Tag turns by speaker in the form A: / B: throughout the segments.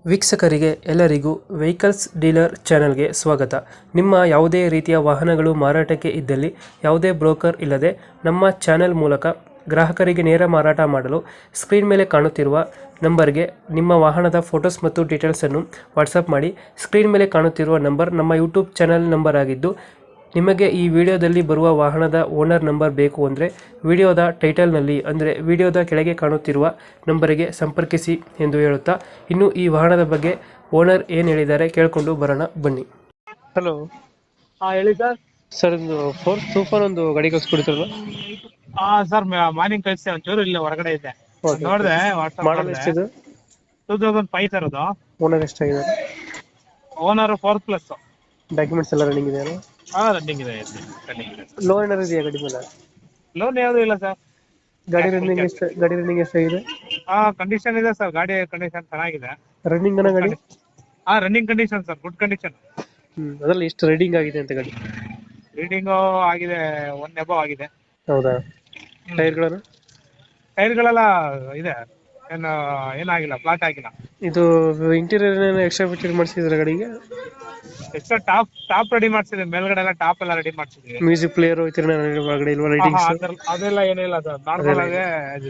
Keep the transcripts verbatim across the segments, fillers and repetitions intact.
A: ವೀಕ್ಷಕರಿಗೆ ಎಲ್ಲರಿಗೂ vehicles dealer ಚಾನೆಲ್ಗೆ ಸ್ವಾಗತ. ನಿಮ್ಮ ಯಾವುದೇ ರೀತಿಯ ವಾಹನಗಳು ಮಾರಾಟಕ್ಕೆ ಇದ್ದಲ್ಲಿ ಯಾವುದೇ ಬ್ರೋಕರ್ ಇಲ್ಲದೆ ನಮ್ಮ ಚಾನೆಲ್ ಮೂಲಕ ಗ್ರಾಹಕರಿಗೆ ನೇರ ಮಾರಾಟ ಮಾಡಲು ಸ್ಕ್ರೀನ್ ಮೇಲೆ ಕಾಣುತ್ತಿರುವ ನಂಬರ್ಗೆ ನಿಮ್ಮ ವಾಹನದ ಫೋಟೋಸ್ ಮತ್ತು ಡೀಟೇಲ್ಸನ್ನು ವಾಟ್ಸಪ್ ಮಾಡಿ. ಸ್ಕ್ರೀನ್ ಮೇಲೆ ಕಾಣುತ್ತಿರುವ ನಂಬರ್ ನಮ್ಮ ಯೂಟ್ಯೂಬ್ ಚಾನೆಲ್ ನಂಬರ್ ಆಗಿದ್ದು, ನಿಮಗೆ ಈ ವಿಡಿಯೋದಲ್ಲಿ ಬರುವ ವಾಹನದ ಓನರ್ ನಂಬರ್ ಬೇಕು ಅಂದರೆ ವಿಡಿಯೋದ ಟೈಟಲ್ನಲ್ಲಿ ಅಂದರೆ ವಿಡಿಯೋದ ಕೆಳಗೆ ಕಾಣುತ್ತಿರುವ ನಂಬರಿಗೆ ಸಂಪರ್ಕಿಸಿ ಎಂದು ಹೇಳುತ್ತಾ, ಇನ್ನು ಈ ವಾಹನದ ಬಗ್ಗೆ ಓನರ್ ಏನು ಹೇಳಿದ್ದಾರೆ ಕೇಳಿಕೊಂಡು ಬರೋಣ ಬನ್ನಿ. ಹಲೋ,
B: ಹಾ ಹೇಳಿ ಸರ್.
A: ಸರ್ ಒಂದು ಫೋರ್ ಸೂಪರ್ ಒಂದು ಗಾಡಿ ಕಳಿಸ್ಕೊಡ್ತಾರಲ್ಲ?
B: ಹಾ ಸರ್, ಮಾರ್ನಿಂಗ್ ಕಳಿಸಿ ಒಂಚೂರು ಇಲ್ಲ ಹೊರಗಡೆ ಇದ್ದೆ.
A: Okay.
B: ನೋಡಿದೆ
A: ಮಾಡಲ್ ಎಷ್ಟಿದೆ?
B: ಟೂ ತೌಸಂಡ್ ಫೈವ್ ಸರ್ ಅದು.
A: ಓನರ್ ಎಷ್ಟಾಗಿದೆ?
B: Owner four plus.
A: ಡಾಕ್ಯುಮೆಂಟ್ಸ್ ಎಲ್ಲ ರನ್ನಿಂಗ್ ಇದೆಯಾ?
B: ಹಾ ರನ್ನಿಂಗ್ ಇದೆ, ರನ್ನಿಂಗ್ ಇದೆ.
A: ಲೋನ್ ಏನಾರು ಇದೆಯಾ ಗಾಡಿ ಮೇಲೆ?
B: ಲೋನ್ ಯಾವುದು ಇಲ್ಲ ಸರ್.
A: ಗಾಡಿ ರನ್ನಿಂಗ್ ಎಷ್ಟು ಗಾಡಿ ರನ್ನಿಂಗ್ ಎಷ್ಟಾಗಿದೆ?
B: ಹಾ ಕಂಡೀಷನ್ ಇದೆ ಸರ್, ಗಾಡಿ ಕಂಡೀಷನ್ ಚೆನ್ನಾಗಿದೆ.
A: ರನ್ನಿಂಗ್ ಅನ್ನೋ ಗಾಡಿ?
B: ಹಾ running condition sir, good condition.
A: Hmm ಅದರಲ್ಲಿ ಎಷ್ಟು ರೈಡಿಂಗ್ ಆಗಿದೆ ಅಂತ ಗಾಡಿ?
B: ರೀಡಿಂಗ್ ಆಗಿದೆ, ಒನ್ ಎಬೋ ಆಗಿದೆ.
A: ಹೌದಾ? ಟೈರ್ಗಳನ್ನು?
B: ಟೈರ್ಗಳೆಲ್ಲ ಇದೆ, ಏನು ಏನಾಗಿಲ್ಲ, ಫ್ಲಾಟ್ ಆಗಿಲ್ಲ.
A: ಇದು ಇಂಟೀರಿಯರ್ ಎಕ್ಸ್ಟ್ರಾ ಫಿಟ್ಟಿಂಗ್ ಮಾಡಿಸಿದ್ರೆ ಗಾಡಿಗೆ?
B: ಎಕ್ಸ್ಟ್ರಾ ಟಾಪ್ ಟಾಪ್ ರೆಡಿ ಮಾಡ್ಸಿದ್ವಿ, ಮೇಲ್ಗಡೆ ಎಲ್ಲ ಟಾಪ್ ಎಲ್ಲ ರೆಡಿ ಮಾಡ್ಸಿದ್ವಿ.
A: ಮ್ಯೂಸಿಕ್ ಪ್ಲೇಯರ್ ಒಳಗಡೆ ಇಲ್ವಾ?
B: ಹಾ,
A: ಲೈಟಿಂಗ್ಸ್?
B: ಹಾ, ಅದೆಲ್ಲ- ಅದೆಲ್ಲ ಏನಿಲ್ಲ ಸರ್, ನಾರ್ಮಲ್ ಆಗಿ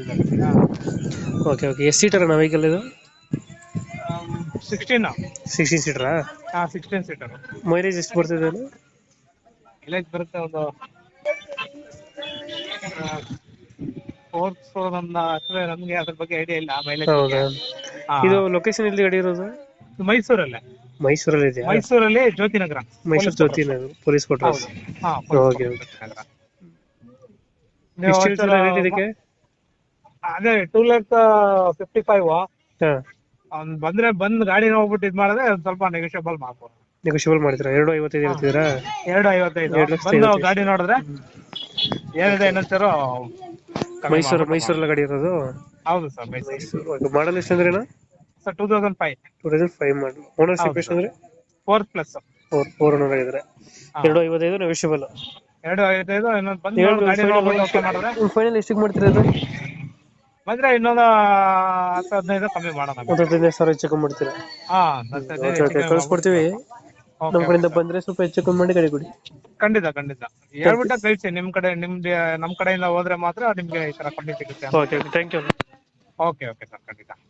A: ಓಕೆ ಓಕೆ. ಎಷ್ಟು ಸೀಟರ್ ಅಣ್ಣ ವೆಹಿಕಲ್ ಇದು?
B: ಸಿಕ್ಸ್ಟೀನ್
A: ಸಿಕ್ಸ್ಟೀನ್ ಸೀಟರಾ?
B: ಹಾ ಸಿಕ್ಸ್ಟೀನ್ ಸೀಟರ್.
A: ಮೈಲೇಜ್ ಎಷ್ಟು ಬರ್ತಿದೆ ಅದು?
B: ಮೈಲೇಜ್ ಬರುತ್ತೆ ಒಂದು ಫೋರ್ಸ್ ನನ್ನ ಅಷ್ಟೇ, ನಮ್ಗೆ ಅದ್ರ ಬಗ್ಗೆ ಐಡಿಯಾ ಇಲ್ಲ ಮೈಲೇಜ್.
A: ಹೌದಾ? ಇದು ಲೊಕೇಶನ್ ಎಲ್ಲಿ ಗಾಡಿ ಇರೋದು?
B: ಮೈಸೂರಲ್ಲೇ.
A: ಮೈಸೂರಲ್ಲಿ ಇದೆಯಾ?
B: ಮೈಸೂರಲ್ಲಿ ಜ್ಯೋತಿನಗರ.
A: Mysuru Jyothi Nagar police quarters.
B: ಹಾ
A: ಓಕೆ ಓಕೆ. ಎಷ್ಟು ಹೇಳ್ತೀರಾ ರೇಟ್ ಇದಕ್ಕೆ?
B: ಅದೇ ಟೂ ಲ್ಯಾಕ್ ಫಿಫ್ಟಿ ಫೈವ್.
A: ಹಾ,
B: ಅವ್ನು ಬಂದ್ರೆ ಬಂದ್ ಗಾಡಿ ನೋಡ್ಬಿಟ್ಟು ಇದ್ ಮಾಡಿದ್ರೆ ಒಂದ್ ಸ್ವಲ್ಪ ನೆಗೋಷಿಯಬಲ್ ಮಾಡ್ಬೋದು.
A: ನೆಗೋಷಿಯಬಲ್ ಮಾಡ್ತೀರಾ? ಎರಡು ಐವತ್ತೈದು ಹೇಳ್ತಿದ್ದೀರಾ?
B: ಎರಡು ಐವತ್ತೈದು
A: ಎರಡು ಲಕ್ಷದ
B: ಬಂದು
A: ಐವತ್ತೈದು.
B: ಗಾಡಿ ನೋಡಿದ್ರೆ ಏನಿದೆ ಏನಂತಾರೋ.
A: ಮೈಸೂರು ಮೈಸೂರಲ್ಲ ಗಾಡಿ ಇರೋದು?
B: ಹೌದು ಸರ್, ಮೈಸೂರು.
A: ಮಾಡಲ್ ಎಷ್ಟು ಅಂದ್ರೆ
B: sir two thousand five.
A: Two thousand five model. Ownership ಎಷ್ಟು ಅಂದ್ರೆ?
B: Four plus.
A: Four four owner ಆಗಿದ್ರೆ. ಎರಡು ಐವತ್ತೈದು ನೆಗೋಷಿಯಬಲ್.
B: ಎರಡು ಐವತ್ತೈದು ಇನ್ನೊಂದು ಬಂದು ಗಾಡಿ ನೋಡ್ಬಿಟ್ಟು ಓಕೆ ಮಾಡಿದ್ರೆ
A: ಫೈನಲ್ ಎಷ್ಟಿಗೆ ಮಾಡ್ತೀರಾ ಅದು?
B: ಬಂದ್ರೆ ಇನ್ನೊಂದು ಹತ್ತು ಹದಿನೈದು ಕಮ್ಮಿ ಮಾಡೋಣ.
A: ಒಂದು ಹದಿನೈದು ಸಾವಿರ ಹೆಚ್ಚು ಕಮ್ಮಿ ಮಾಡ್ತೀರಾ?
B: ಹಾ
A: ಓಕೆ ಓಕೆ, ಕಳ್ಸ್ಕೊಡ್ತೀವಿ. ನಮ್ಮ ಕಡೆಯಿಂದ ಬಂದ್ರೆ ಸ್ವಲ್ಪ ಹೆಚ್ಚು ಕಮ್ಮಿ ಮಾಡಿ ಗಾಡಿ ಕೊಡಿ.
B: ಖಂಡಿತ ಖಂಡಿತ ಹೇಳ್ಬಿಟ್ಟ ಕಳಿಸಿ. ನಿಮ್ ಕಡೆ ನಿಮ್ದು ನಮ್ ಕಡೆಯಿಂದ ಹೋದ್ರೆ ಮಾತ್ರ ನಿಮ್ಗೆ ಈ ತರ ಕಮ್ಮಿ ಸಿಗುತ್ತೆ.
A: Okay okay, thank you.
B: Okay okay sir, ಖಂಡಿತ.